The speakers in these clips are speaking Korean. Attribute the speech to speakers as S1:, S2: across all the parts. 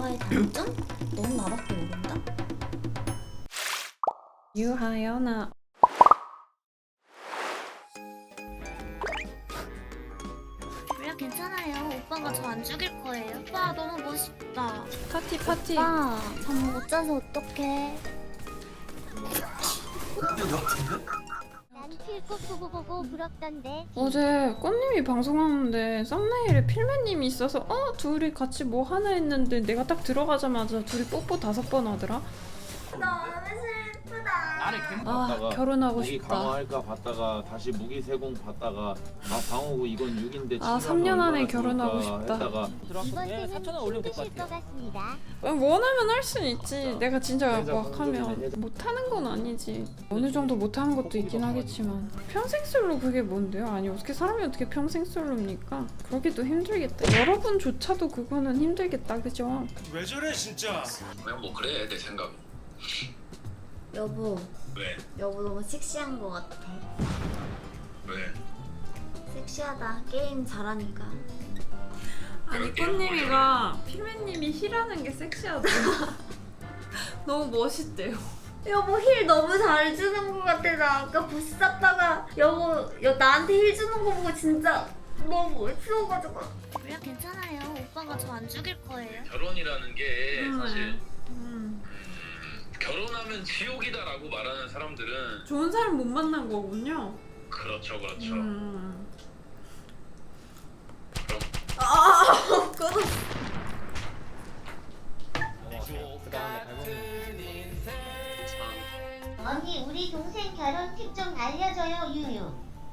S1: 오빠의 단점? 너무 나밖에 모른다?
S2: 유하연아.
S3: 물론 괜찮아요. 오빠가 저 안 죽일 거예요. 오빠 너무 멋있다.
S2: 파티 파티.
S3: 오빠 잠 못 자서 어떡해.
S4: 난 필꼭 보고 부럽던데.
S2: 어제 꽃님이 방송하는데 썸네일에 필매님이 있어서 둘이 같이 뭐 하나 했는데 내가 딱 들어가자마자 둘이 뽀뽀 5번 하더라.
S1: 너무 슬프다.
S5: 나를 개목
S2: 아
S5: 봤다가
S2: 결혼하고
S5: 무기
S2: 싶다.
S5: 강화할까 봤다가 다시 무기 세공 봤다가 방어구 이건 6인데
S2: 아, 3년 안에 결혼하고 싶다.
S5: 했다가
S4: 이번 때는 힘드실 것 같습니다.
S2: 원하면 할 순 있지. 내가 진짜
S5: 해자
S2: 막 하면
S5: 해자.
S2: 못하는 건 아니지. 어느 정도 못하는 것도 있긴 하겠지만 평생 솔로 그게 뭔데요? 아니 어떻게 사람이 어떻게 평생 솔로입니까? 그러기도 힘들겠다. 여러분조차도 그거는 힘들겠다, 그죠?
S6: 왜 저래 진짜?
S7: 그냥 뭐 그래 내 생각.
S1: 여보,
S7: 왜?
S1: 여보 너무 섹시한 것 같아.
S7: 왜?
S1: 섹시하다. 게임 잘하니까.
S2: 아니 꽃님이가 필매님이 힐하는 게 섹시하대요. 너무 멋있대요.
S1: 여보 힐 너무 잘 주는 것 같아. 나 아까 부스 쌌다가 여보 나한테 힐 주는 거 보고 진짜 너무 멋있어가지고.
S3: 물론 괜찮아요. 오빠가 저 안 죽일 거예요.
S7: 결혼이라는 게 사실
S2: 음.
S7: 결혼하면 지옥이다라고 말하는 사람들은
S2: 좋은 사람 못 만난 거군요.
S7: 그렇죠.
S1: 그거
S4: 언니 우리 동생 결혼 팁 좀 알려줘요 유유.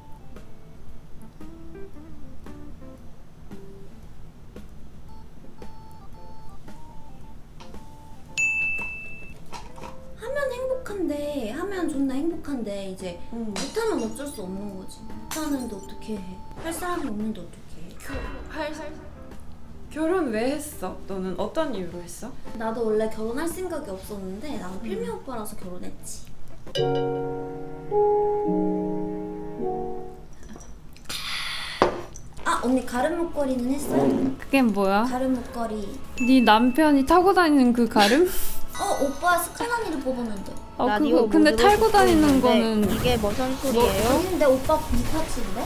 S1: 하면 행복한데 하면 존나 행복한데 이제 못하면 어쩔 수 없는 거지. 못하는데 어떻게 해? 할 사람이 없는데 어떻게 해?
S2: 결혼 왜 했어? 너는 어떤 이유로 했어?
S1: 나도 원래 결혼할 생각이 없었는데 나는 필미 오빠라서 결혼했지. 아 언니 가름 목걸이는 했어요?
S2: 그게 뭐야?
S1: 가름 목걸이.
S2: 네 남편이 타고 다니는 그 가름?
S1: 오빠 스카나니를 뽑았는데.
S2: 그거 근데 탈고 다니는 거는
S8: 이게 무슨 소리예요?
S1: 아닌데 오빠 불팍시인데?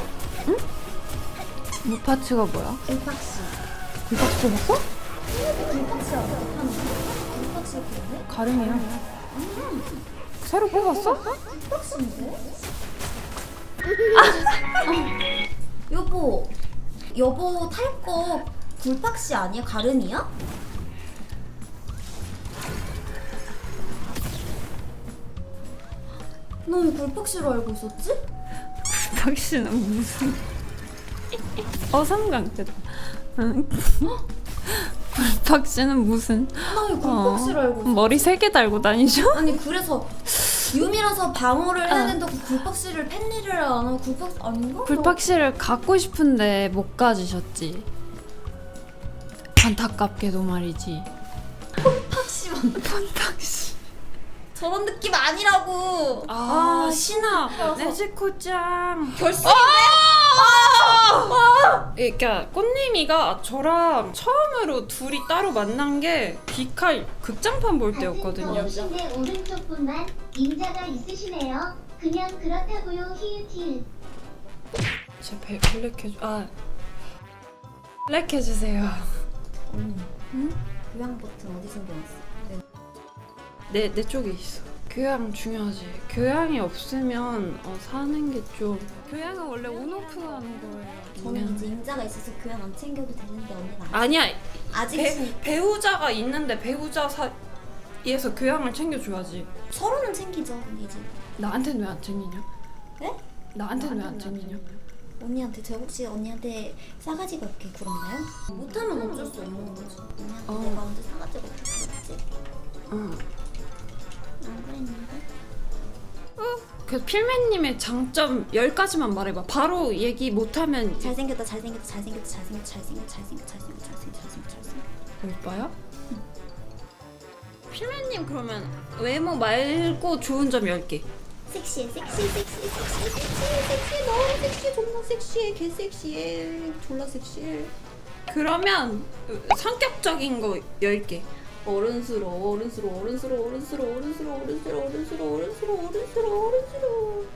S2: 무파츠가 뭐야?
S1: 불팍시.
S2: 무파츠 뽑았어?
S1: 불팍시 알아? 불팍시 뽑네?
S2: 가름이야. 새로 뽑았어?
S1: 불팍시인데? 여보 탈 거 불팍시 아니야? 가름이야? 너 왜 불팍시로 알고 있었지?
S2: 박씨는 무슨 어삼강태다. 박씨는 무슨
S1: 나 왜 불팍시로 알고 있었지?
S2: 머리 3개 달고 다니죠?
S1: 아니 그래서 유미라서 방어를 해야 된다고 굴팍씨를 팬리를 안 하고 굴팍 아닌가?
S2: 굴팍씨를 갖고 싶은데 못 가지셨지. 안타깝게도 말이지.
S1: 굴팍씨만
S2: 펀탁씨.
S1: 저런 느낌 아니라고.
S2: 신아 네즈코짱
S1: 결승인데?
S2: 그러니까 꽃님이가 저랑 처음으로 둘이 따로 만난 게 비칼 극장판 볼 때였거든요.
S4: 역시내 오른쪽 분만 임자가 있으시네요. 그냥 그렇다고요 히읗히읗.
S2: 제 블랙 해주세요.
S1: 교양 버튼 어디 숨겨놨어?
S2: 내 쪽에 있어. 교양 중요하지. 교양이 없으면 사는 게 좀. 교양은 원래 온오프 하는 거예요.
S1: 저는 이제 임자가 있어서 교양 안 챙겨도 되는데 언니는
S2: 아니야.
S1: 아직
S2: 배우자가 있는데 배우자 사이에서 교양을 챙겨줘야지.
S1: 서로는 챙기죠 이제.
S2: 나한테는 왜 안 챙기냐?
S1: 네?
S2: 나한테는 왜 안 챙기냐?
S1: 언니한테 제가 혹시 언니한테 싸가지가 없게 굴었나요? 못하면 어쩔 수 없는 거지. 언니한테 내가 언제 싸가지가 없게 굴었지?
S2: 응.
S1: 안 그랬는데?
S2: 그 필매님의 장점 10가지만 말해봐. 바로 얘기 못하면
S1: 잘생겼다.
S2: 오빠야? 필매님 그러면 외모 말고 좋은 점 10개.
S1: 섹시해 너무 섹시해 존나 섹시해 개 섹시해 졸라 섹시해.
S2: 그러면 성격적인 거 10개. 어른스러워, 어른스러워, 어른스러워, 어른스러워, 어른스러워, 어른스러워, 어른스러워, 어른스러워, 어른스러워, 어른스러워.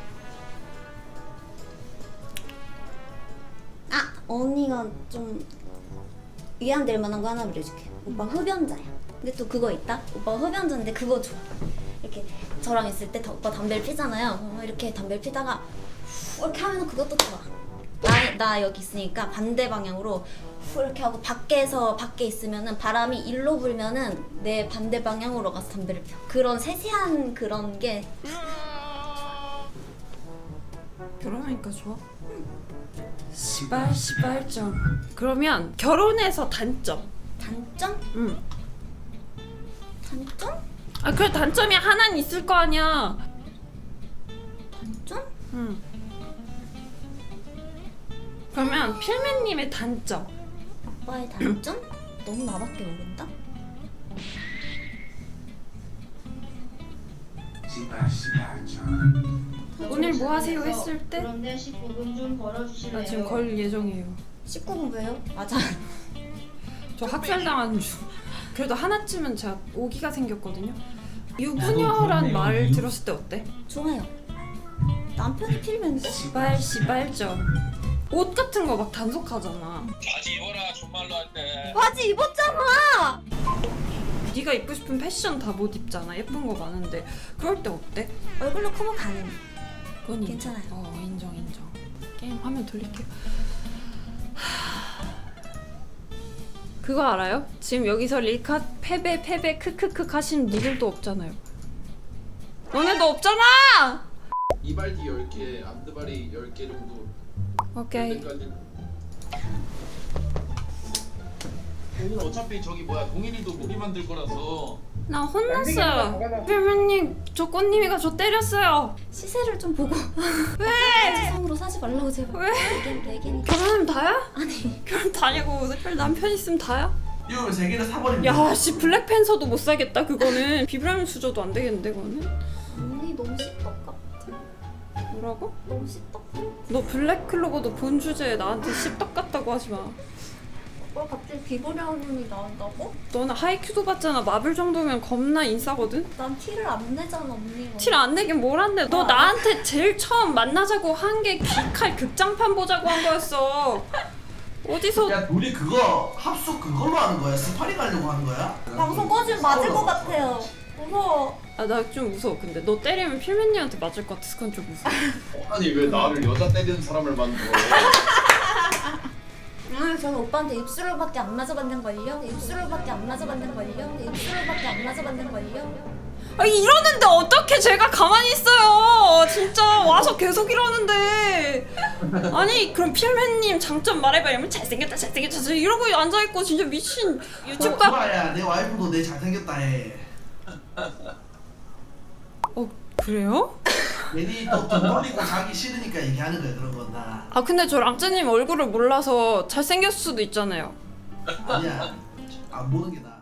S1: 아, 언니가 좀 위안될 만한 거 하나 말해줄게. 오빠 흡연자야. 근데 또 그거 있다? 오빠 흡연자인데 그거 좋아. 이렇게 저랑 있을 때 오빠 담배를 피잖아요. 이렇게 담배를 피다가 후 이렇게 하면 그것도 좋아. 나 여기 있으니까 반대 방향으로 후 이렇게 하고 밖에 있으면은 바람이 일로 불면은 내 반대 방향으로 가서 담배를 펴. 그런 세세한 그런 게
S2: 결혼하니까 좋아? 시발점. 그러면 결혼해서 단점.
S1: 단점?
S2: 응.
S1: 단점?
S2: 아 그래 단점이 하나는 있을 거 아니야.
S1: 단점?
S2: 응. 그러면 필맨님의 단점.
S1: 오빠의 단점? 너무 나밖에 모른다?
S2: 오늘 뭐 하세요 했을 때?
S4: 그런데 19분 좀 벌어주실래요?
S2: 나 지금 걸 예정이에요.
S1: 19분 왜요? 맞아.
S2: 저 학살당하는 중. 그래도 하나쯤은 제가 오기가 생겼거든요. 유부녀란 말 들었을 때 어때?
S1: 좋아요. 남편이 필면
S2: 시발점. 옷 같은 거 막 단속하잖아.
S7: 바지 입어라 정말로 할 때.
S1: 바지 입었잖아.
S2: 네가 입고 싶은 패션 다 못 입잖아. 예쁜 거 많은데 그럴 때 어때?
S1: 얼굴로 커버 가능.
S2: 그건
S1: 괜찮아요.
S2: 인정. 게임 화면 돌릴게요. 그거 알아요? 지금 여기서 릴카 패배 크크크 하시는 니들도 없잖아요. 너네도 없잖아!
S5: 이발기 10개, 앞드발이 10개 정도.
S2: 오케이.
S5: 여기까지. 오늘 어차피 저기 뭐야 동일이도 무기 만들 거라서
S2: 나 혼났어요. 필맨님 저 꽃님이가 저 때렸어요.
S1: 시세를 좀 보고. 왜? 성으로 사지 말라고 제발.
S2: 왜?
S1: 내게니까.
S2: 결혼하면 다야?
S1: 아니.
S2: 결혼 다냐고. 별 남편 있으면 다야?
S6: 이거 세 개를 사버립니다.
S2: 야 씨 블랙팬서도 못 사겠다 그거는. 비브라늄 수저도 안 되겠는데 그거는.
S1: 언니 너무 씹덕 같아.
S2: 뭐라고?
S1: 너무 씹덕 같아.
S2: 너 블랙클로버도 본 주제에 나한테 씹덕 같다고 하지 마.
S1: 오빠 갑자기 비보량이 나온다고?
S2: 너는 하이큐도 봤잖아. 마블 정도면 겁나 인싸거든?
S1: 난 티를 안 내잖아 언니가.
S2: 티를 안 내긴 뭘 안 내. 너 나한테 제일 처음 만나자고 한 게 귀칼 극장판 보자고 한 거였어. 어디서
S6: 야 둘이 그거 합숙 그걸로 하는 거야? 스파링 하려고 하는 거야?
S1: 방송 꺼지면 맞을 것 같아요. 무서워.
S2: 아 나 좀 무서워. 근데 너 때리면 필맨님한테 맞을 것 같아서 그건 좀 무서워.
S5: 아니 왜 나를 여자 때리는 사람을 만들어?
S1: 저는 오빠한테 입술로밖에 안 맞아봤는걸요? 입술로밖에 안 맞아봤는걸요? 입술로밖에 안 맞아봤는걸요?
S2: 아 이러는데 어떻게 제가 가만히 있어요. 진짜 와서 계속 이러는데. 아니 그럼 필맨님 장점 말해봐. 이러면 잘생겼다 이러고 앉아있고 진짜 미친 유튜브 각.
S6: 좋아야 내 와이프도 내 잘생겼다 해.
S2: 그래요?
S6: 괜히 또돈 돌리고 자기 싫으니까 얘기하는 거야 그런 건 다.
S2: 아 근데 저 랑쯔님 얼굴을 몰라서 잘생겼을 수도 있잖아요.
S6: 아니야 안 보는 게 나아.